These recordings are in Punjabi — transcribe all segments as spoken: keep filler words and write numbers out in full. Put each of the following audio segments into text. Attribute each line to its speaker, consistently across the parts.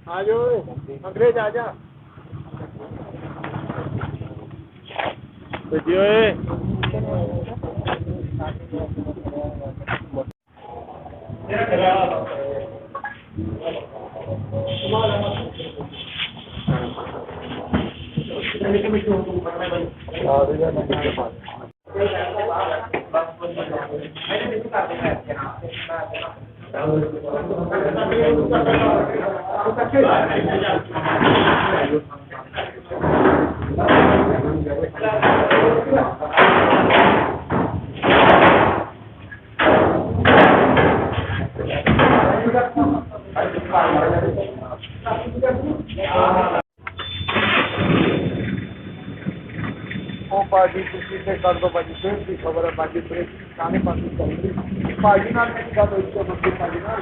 Speaker 1: आ जाओ अंग्रेज आ जा पार्टी किसी से कर दो बाजी फिर की खबर है बाजी ब्रेक खाने पानी चाहिए पार्टी ना मेरी गल हुई तो मंत्री पार्टी ना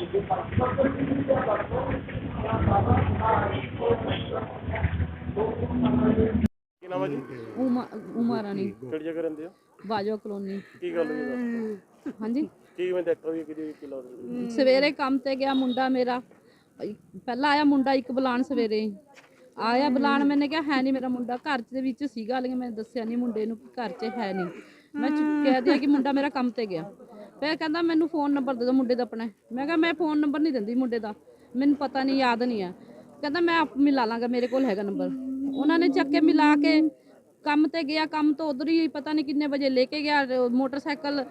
Speaker 1: ਕੀ ਨਾਮ ਹੈ ਜੀ?
Speaker 2: ਉਮਾ ਉਮਾ ਰਾਣੀ
Speaker 1: ਕਿਹੜੀ ਜਗ੍ਹਾ ਰਹਿੰਦੇ ਹੋ?
Speaker 2: ਬਾਜੋ ਕਲੋਨੀ।
Speaker 1: ਕੀ ਗੱਲ ਹੋਈ?
Speaker 2: ਹਾਂਜੀ
Speaker 1: ਕੀ ਮੈਂ ਦੇਖਦਾ ਵੀ ਕਿ ਕੀ ਲੱਗਦਾ?
Speaker 2: ਸਵੇਰੇ ਕੰਮ ਤੇ ਗਿਆ ਮੁੰਡਾ ਮੇਰਾ, ਪਹਿਲਾਂ ਆਇਆ ਮੁੰਡਾ ਇੱਕ ਬੁਲਾਣ ਸਵੇਰੇ ਆਇਆ ਬੁਲਾਣ, ਮੈंने ਕਿਹਾ ਹੈ ਨਹੀਂ ਮੇਰਾ ਮੁੰਡਾ ਘਰ ਦੇ ਵਿੱਚ ਸੀਗਾ, ਲੇਕਿਨ ਮੈਂ ਦੱਸਿਆ ਨਹੀਂ ਮੁੰਡੇ ਨੂੰ ਕਿ ਘਰ 'ਚ ਹੈ ਨਹੀਂ। ਮੈਂ ਕਹਿ ਦਿਆ ਕਿ ਮੁੰਡਾ ਮੇਰਾ ਕੰਮ ਤੇ ਗਿਆ। ਫਿਰ ਕਹਿੰਦਾ ਮੈਨੂੰ ਫ਼ੋਨ ਨੰਬਰ ਦੇ ਦਿਓ ਮੁੰਡੇ ਦਾ ਆਪਣਾ। ਮੈਂ ਕਿਹਾ ਮੈਂ ਫ਼ੋਨ ਨੰਬਰ ਨਹੀਂ ਦਿੰਦੀ ਮੁੰਡੇ ਦਾ, ਮੈਨੂੰ ਪਤਾ ਨਹੀਂ ਯਾਦ ਨਹੀਂ ਆ। ਕਹਿੰਦਾ ਮੈਂ ਆਪ ਮਿਲਾ ਲਾਂਗਾ, ਮੇਰੇ ਕੋਲ ਹੈਗਾ ਨੰਬਰ। ਉਹਨਾਂ ਨੇ ਚੱਕ ਕੇ ਮਿਲਾ ਕੇ ਕੰਮ ਤੇ ਗਿਆ, ਕੰਮ ਤੋਂ ਉਧਰ ਹੀ ਪਤਾ ਨਹੀਂ ਕਿੰਨੇ ਵਜੇ ਲੈ ਕੇ ਗਿਆ ਮੋਟਰਸਾਈਕਲ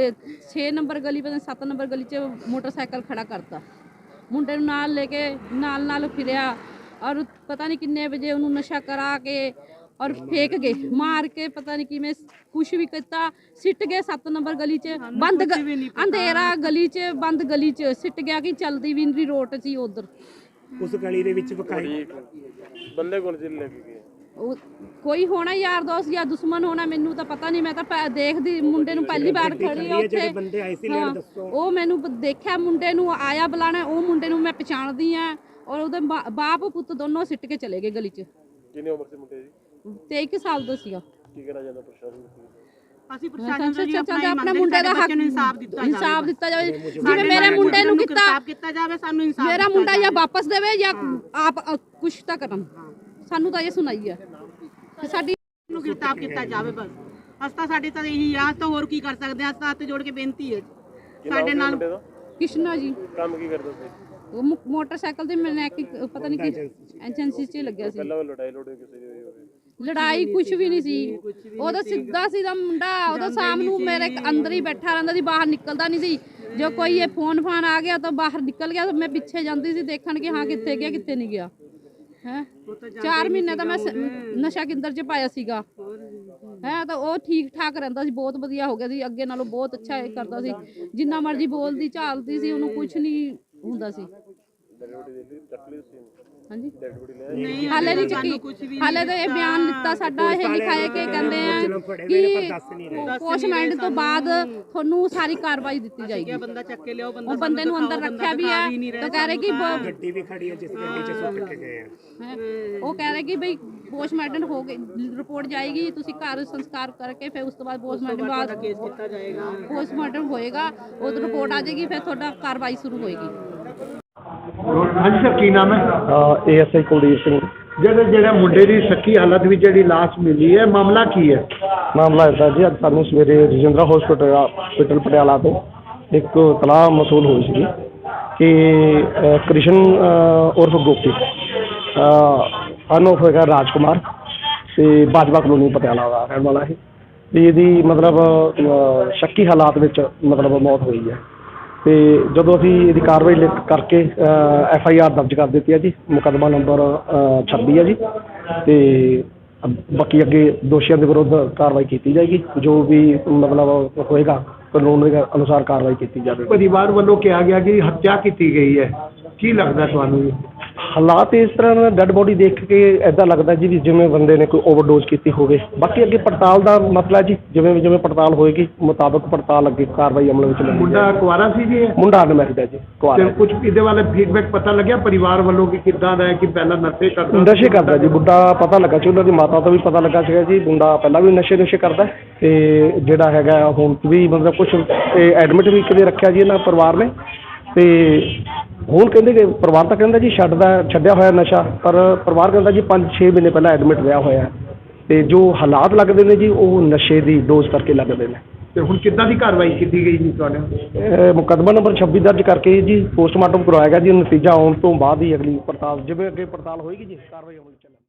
Speaker 2: ਛੇ ਨੰਬਰ ਗਲੀ ਪਤਾ ਸੱਤ ਨੰਬਰ ਗਲੀ 'ਚ ਮੋਟਰਸਾਈਕਲ ਖੜਾ ਕਰਤਾ। ਮੁੰਡੇ ਨੂੰ ਨਾਲ ਲੈ ਕੇ ਨਾਲ ਨਾਲ ਫਿਰਿਆ ਔਰ ਪਤਾ ਨਹੀਂ ਕਿੰਨੇ ਵਜੇ ਉਹਨੂੰ ਨਸ਼ਾ ਕਰਾ ਕੇ ਔਰ ਫੇਕ ਗਏ, ਮਾਰ ਕੇ ਪਤਾ ਨਹੀਂ ਕਿਵੇਂ ਕੁਛ ਵੀ ਕੀਤਾ, ਸਿੱਟ ਗਏ ਸੱਤ ਨੰਬਰ ਗਲੀ 'ਚ ਬੰਦ ਅੰਧੇਰਾ ਗਲੀ 'ਚ ਬੰਦ ਗਲੀ 'ਚ ਸਿੱਟ ਗਿਆ ਕਿ ਚਲਦੀ ਵੀ ਨਹੀਂ ਰੋਡ 'ਚ ਹੀ ਉਧਰ
Speaker 3: ਉਸ ਗਲੀ ਦੇ ਵਿੱਚ ਵਿਖਾਈ
Speaker 1: ਬੰਦੇ ਕੋਲ ਜਿੱਲ ਲੈ ਕੇ ਗਏ।
Speaker 2: ਉਹ ਕੋਈ ਹੋਣਾ ਯਾਰ ਦੋਸਤ ਜਾਂ ਦੁਸ਼ਮਣ ਹੋਣਾ, ਮੈਨੂੰ ਤਾਂ ਪਤਾ ਨਹੀਂ। ਮੈਂ ਤਾਂ ਦੇਖਦੀ ਮੁੰਡੇ ਨੂੰ ਪਹਿਲੀ ਵਾਰ ਖੜੀ ਆ ਉੱਥੇ।
Speaker 3: ਬੰਦੇ ਆਏ ਸੀ ਲੈਣ ਦੱਸੋ।
Speaker 2: ਉਹ ਮੈਨੂੰ ਦੇਖਿਆ ਮੁੰਡੇ ਨੂੰ ਆਇਆ ਬੁਲਾਣਾ, ਉਹ ਮੁੰਡੇ ਨੂੰ ਮੈਂ ਪਛਾਣਦੀ ਆ ਔਰ ਉਹਦੇ ਬਾਪ ਪੁੱਤ ਦੋਨੋਂ ਸਿੱਟ ਕੇ ਚਲੇ ਗਏ ਗਲੀ 'ਚ।
Speaker 1: ਕਿੰਨੀ ਉਮਰ ਸੀ ਮੁੰਡੇ ਦੀ?
Speaker 2: ਤੇਈ ਸਾਲ ਦਾ ਸੀਗਾ।
Speaker 1: ਕੀ ਕਹਿਣਾ ਚਾਹੁੰਦਾ ਪ੍ਰਸ਼ਾਸਨ ਨੂੰ?
Speaker 4: ਅਸੀਂ ਪ੍ਰਸ਼ਾਸਨ ਤੋਂ ਜੀ
Speaker 2: ਆਪਣਾ ਮੁੰਡੇ ਦਾ ਹੱਕ
Speaker 4: ਇਨਸਾਫ ਦਿੱਤਾ ਜਾਵੇ,
Speaker 2: ਇਨਸਾਫ ਦਿੱਤਾ ਜਾਵੇ। ਜਿਵੇਂ ਮੇਰੇ ਮੁੰਡੇ ਨੂੰ ਕੀਤਾ
Speaker 4: ਕੀਤਾ ਜਾਵੇ, ਸਾਨੂੰ ਇਨਸਾਫ
Speaker 2: ਮੇਰਾ ਮੁੰਡਾ ਜਾਂ ਵਾਪਸ ਦੇਵੇ ਜਾਂ ਆਪ ਕੁਛ ਤਾਂ ਕਰਨ। ਸਾਨੂੰ ਤਾਂ ਇਹ ਸੁਣਾਈ ਹੈ ਕਿ ਸਾਡੀ
Speaker 4: ਨੂੰ ਗ੍ਰਿਫਤਾਰ ਕੀਤਾ ਜਾਵੇ ਬਸ। ਅਸਤਾ ਸਾਡੇ ਤਾਂ ਇਹੀ ਆ, ਤਾਂ ਹੋਰ ਕੀ ਕਰ ਸਕਦੇ ਆ। ਅਸਤਾ ਹੱਥ ਜੋੜ ਕੇ ਬੇਨਤੀ ਹੈ ਸਾਡੇ ਨਾਲ।
Speaker 2: ਕ੍ਰਿਸ਼ਨਾ ਜੀ
Speaker 1: ਕੰਮ ਕੀ ਕਰਦਾ ਸੀ?
Speaker 2: ਉਹ ਮੋਟਰਸਾਈਕਲ ਤੇ ਮੈਕੈਨਿਕ ਪਤਾ ਨਹੀਂ ਕਿ ਏਜੰਸੀ 'ਚ ਲੱਗਿਆ ਸੀ।
Speaker 1: ਪਹਿਲਾਂ ਲੜਾਈ ਲੋੜੇ ਕਿਸੇ ਦੀ ਹੋਈ?
Speaker 2: ਲੜਾਈ ਕੁਛ ਵੀ ਨਹੀਂ ਸੀ, ਉਹਦਾ ਸਿੱਧਾ ਸੀਦਾ ਮੁੰਡਾ। ਉਹਦਾ ਸ਼ਾਮ ਨੂੰ ਮੇਰੇ ਅੰਦਰ ਹੀ ਬੈਠਾ ਰਹਿੰਦਾ ਸੀ, ਬਾਹਰ ਨਿਕਲਦਾ ਨਹੀਂ ਸੀ। ਜੋ ਕੋਈ ਇਹ ਫੋਨ ਫਾਨ ਆ ਗਿਆ ਤਾਂ ਬਾਹਰ ਨਿਕਲ ਗਿਆ, ਤਾਂ ਮੈਂ ਪਿੱਛੇ ਜਾਂਦੀ ਸੀ ਦੇਖਣ ਕਿ ਹਾਂ ਕਿੱਥੇ ਗਿਆ ਕਿੱਥੇ ਨਹੀਂ ਗਿਆ। ਹੈ ਚਾਰ ਮਹੀਨੇ ਦਾ ਮੈਂ ਨਸ਼ਾ ਕੇਂਦਰ 'ਚ ਪਾਇਆ ਸੀਗਾ। ਹੈ ਤਾਂ ਉਹ ਠੀਕ ਠਾਕ ਰਹਿੰਦਾ ਸੀ, ਬਹੁਤ ਵਧੀਆ ਹੋ ਗਿਆ ਸੀ ਅੱਗੇ ਨਾਲੋਂ, ਬਹੁਤ ਅੱਛਾ ਇਹ ਕਰਦਾ ਸੀ। ਜਿੰਨਾ ਮਰਜ਼ੀ ਬੋਲਦੀ ਝਾਲਦੀ ਸੀ, ਉਹਨੂੰ ਕੁਛ ਨਹੀਂ ਹੁੰਦਾ ਸੀ। ਹਾਂਜੀ ਹਾਲੇ ਨਹੀਂ ਚੱਕੀ, ਹਾਲੇ ਤਾਂ ਇਹ ਬਿਆਨ ਦਿੱਤਾ ਸਾਡਾ, ਇਹ ਲਿਖਾਇਆ ਕਿ ਕਹਿੰਦੇ ਆ ਕਿ ਪੋਸਟਮਾਰਟਮ ਤੋਂ ਬਾਅਦ ਤੁਹਾਨੂੰ ਸਾਰੀ ਕਾਰਵਾਈ ਦਿੱਤੀ ਜਾਏਗੀ।
Speaker 4: ਬੰਦਾ ਚੱਕ ਕੇ ਲਿਆਓ,
Speaker 2: ਉਹ ਬੰਦੇ ਨੂੰ ਅੰਦਰ ਰੱਖਿਆ ਵੀ ਹੈ ਤਾਂ ਕਹਿ ਰਹੇ ਕਿ
Speaker 3: ਗੱਡੀ ਵੀ ਖੜੀ ਹੈ ਜਿਸ ਗੱਡੀ 'ਚ ਸੁੱਟ ਕੇ ਗਏ ਆ।
Speaker 2: ਉਹ ਕਹਿ ਰਹੇ ਕਿ ਬਈ ਪੋਸਟਮਾਰਟਮ ਹੋ ਗਈ, ਰਿਪੋਰਟ ਜਾਏਗੀ, ਤੁਸੀਂ ਘਰ ਸੰਸਕਾਰ ਕਰਕੇ ਫਿਰ ਉਸ ਤੋਂ ਬਾਅਦ ਪੋਸਟਮਾਰਟਮ ਬਾਅਦ
Speaker 4: ਕੇਸ ਕੀਤਾ ਜਾਏਗਾ।
Speaker 2: ਪੋਸਟਮਾਰਟਮ ਹੋਏਗਾ, ਉਹ ਰਿਪੋਰਟ ਆ ਜਾਏਗੀ, ਫਿਰ ਤੁਹਾਡਾ ਕਾਰਵਾਈ ਸ਼ੁਰੂ ਹੋਏਗੀ।
Speaker 1: ਹਾਂਜੀ ਸਰ, ਕੀ ਨਾਮ ਹੈ?
Speaker 5: ਏਐਸਆਈ ਕੁਲਦੀਪ ਸਿੰਘ।
Speaker 1: ਜਿਹੜੇ ਜਿਹੜਾ ਮੁੰਡੇ ਦੀ ਸ਼ੱਕੀ ਹਾਲਤ ਵਿੱਚ ਜਿਹੜੀ ਲਾਸ਼ ਮਿਲੀ ਹੈ, ਮਾਮਲਾ ਕੀ ਹੈ?
Speaker 5: ਮਾਮਲਾ ਇੱਦਾਂ ਜੀ, ਅੱਜ ਸਾਨੂੰ ਸਵੇਰੇ ਰਜਿੰਦਰਾ ਹਸਪੀਟਲ ਹਸਪੀਟਲ ਪਟਿਆਲਾ ਤੋਂ ਇੱਕ ਤਲਾਹ ਮਸੂਲ ਹੋਈ ਸੀ ਕਿ ਅ, ਕ੍ਰਿਸ਼ਨ ਅ, ਉਰਫ ਗੋਪੀ ਅਨੋਫ ਹੈਗਾ ਰਾਜਕੁਮਾਰ ਅਤੇ ਬਾਜਵਾ ਕਲੋਨੀ ਪਟਿਆਲਾ ਦਾ ਰਹਿਣ ਵਾਲਾ ਹੈ। ਅਤੇ ਇਹਦੀ ਮਤਲਬ ਅ, ਸ਼ੱਕੀ ਹਾਲਾਤ ਵਿੱਚ ਮਤਲਬ ਮੌਤ ਹੋਈ ਹੈ। ਅਤੇ ਜਦੋਂ ਅਸੀਂ ਇਹਦੀ ਕਾਰਵਾਈ ਲਿਖ ਕਰਕੇ ਐਫ ਆਈ ਆਰ ਦਰਜ ਕਰ ਦਿੱਤੀ ਹੈ ਜੀ, ਮੁਕੱਦਮਾ ਨੰਬਰ ਛੱਬੀ ਹੈ ਜੀ। ਅਤੇ ਬਾਕੀ ਅੱਗੇ ਦੋਸ਼ੀਆਂ ਦੇ ਵਿਰੁੱਧ ਕਾਰਵਾਈ ਕੀਤੀ ਜਾਏਗੀ, ਜੋ ਵੀ ਮਤਲਬ ਹੋਏਗਾ ਕਾਨੂੰਨ ਦੇ ਅਨੁਸਾਰ ਕਾਰਵਾਈ ਕੀਤੀ ਜਾਵੇਗੀ।
Speaker 1: ਪਰਿਵਾਰ ਵੱਲੋਂ ਕਿਹਾ ਗਿਆ ਕਿ ਹੱਤਿਆ ਕੀਤੀ ਗਈ ਹੈ, ਕੀ ਲੱਗਦਾ ਤੁਹਾਨੂੰ ਜੀ?
Speaker 5: ਹਾਲਾਤ ਇਸ ਤਰ੍ਹਾਂ ਡੈੱਡ ਬੋਡੀ ਦੇਖ ਕੇ ਇੱਦਾਂ ਲੱਗਦਾ ਜੀ ਵੀ ਜਿਵੇਂ ਬੰਦੇ ਨੇ ਕੋਈ ਓਵਰਡੋਜ਼ ਕੀਤੀ ਹੋਵੇ। ਬਾਕੀ ਅੱਗੇ ਪੜਤਾਲ ਦਾ ਮਸਲਾ ਜੀ, ਜਿਵੇਂ ਜਿਵੇਂ ਪੜਤਾਲ ਹੋਏਗੀ ਮੁਤਾਬਕ ਪੜਤਾਲ ਅੱਗੇ ਕਾਰਵਾਈ ਅਮਲ ਵਿੱਚ ਲਿਆਂਦੀ
Speaker 1: ਮੁੰਡਾ ਕੁਆਰਾ ਸੀ ਜੀ?
Speaker 5: ਮੁੰਡਾ ਅਨਮੈਰਿਡ ਹੈ ਜੀ, ਕੁਆਰਾ।
Speaker 1: ਕੁਝ ਇਹਦੇ ਵਾਲੇ ਫੀਡਬੈਕ ਪਤਾ ਲੱਗਿਆ ਪਰਿਵਾਰ ਵੱਲੋਂ ਕਿ ਕਿੱਦਾਂ ਦਾ ਹੈ, ਕਿ ਪਹਿਲਾਂ ਨਸ਼ੇ ਕਰਦਾ?
Speaker 5: ਨਸ਼ੇ ਕਰਦਾ ਜੀ ਮੁੰਡਾ, ਪਤਾ ਲੱਗਾ ਸੀ ਉਹਨਾਂ ਦੀ ਮਾਤਾ ਤੋਂ ਵੀ ਪਤਾ ਲੱਗਾ ਸੀਗਾ ਜੀ, ਮੁੰਡਾ ਪਹਿਲਾਂ ਵੀ ਨਸ਼ੇ ਨੁਸ਼ੇ ਕਰਦਾ। ਅਤੇ ਜਿਹੜਾ ਹੈਗਾ ਹੁਣ ਵੀ ਮਤਲਬ ਕੁਛ ਐਡਮਿਟ ਵੀ ਕਿਤੇ ਰੱਖਿਆ ਜੀ ਇਹਨਾਂ ਪਰਿਵਾਰ ਨੇ। ਤੇ ਹੁਣ ਕਹਿੰਦੇ ਕਿ ਪਰਿਵਾਰ ਤਾਂ ਕਹਿੰਦਾ ਜੀ ਛੱਡਦਾ ਛੱਡਿਆ ਹੋਇਆ ਨਸ਼ਾ, ਪਰ ਪਰਿਵਾਰ ਕਹਿੰਦਾ ਜੀ ਪੰਜ ਛੇ ਮਹੀਨੇ ਪਹਿਲਾਂ ਐਡਮਿਟ ਰਿਹਾ ਹੋਇਆ ਤੇ ਜੋ ਹਾਲਾਤ ਲੱਗਦੇ ਨੇ ਜੀ ਉਹ ਨਸ਼ੇ ਦੀ ਡੋਜ਼ ਕਰਕੇ ਲੱਗਦੇ ਨੇ।
Speaker 1: ਤੇ ਹੁਣ ਕਿੱਦਾਂ ਦੀ ਕਾਰਵਾਈ ਕੀਤੀ ਗਈ ਜੀ ਤੁਹਾਡੇ?
Speaker 5: ਇਹ ਮੁਕੱਦਮਾ ਨੰਬਰ ਛੱਬੀ ਦਰਜ ਕਰਕੇ ਜੀ ਪੋਸਟਮਾਰਟਮ ਕਰਵਾਇਆ ਗਿਆ ਜੀ। ਨਤੀਜਾ ਆਉਣ ਤੋਂ ਬਾਅਦ ਹੀ ਅਗਲੀ ਪੜਤਾਲ, ਜਿਵੇਂ ਅੱਗੇ ਪੜਤਾਲ ਹੋਏਗੀ ਜੀ, ਕਾਰਵਾਈ ਅਮਲ ਚ ਚੱਲੇਗੀ।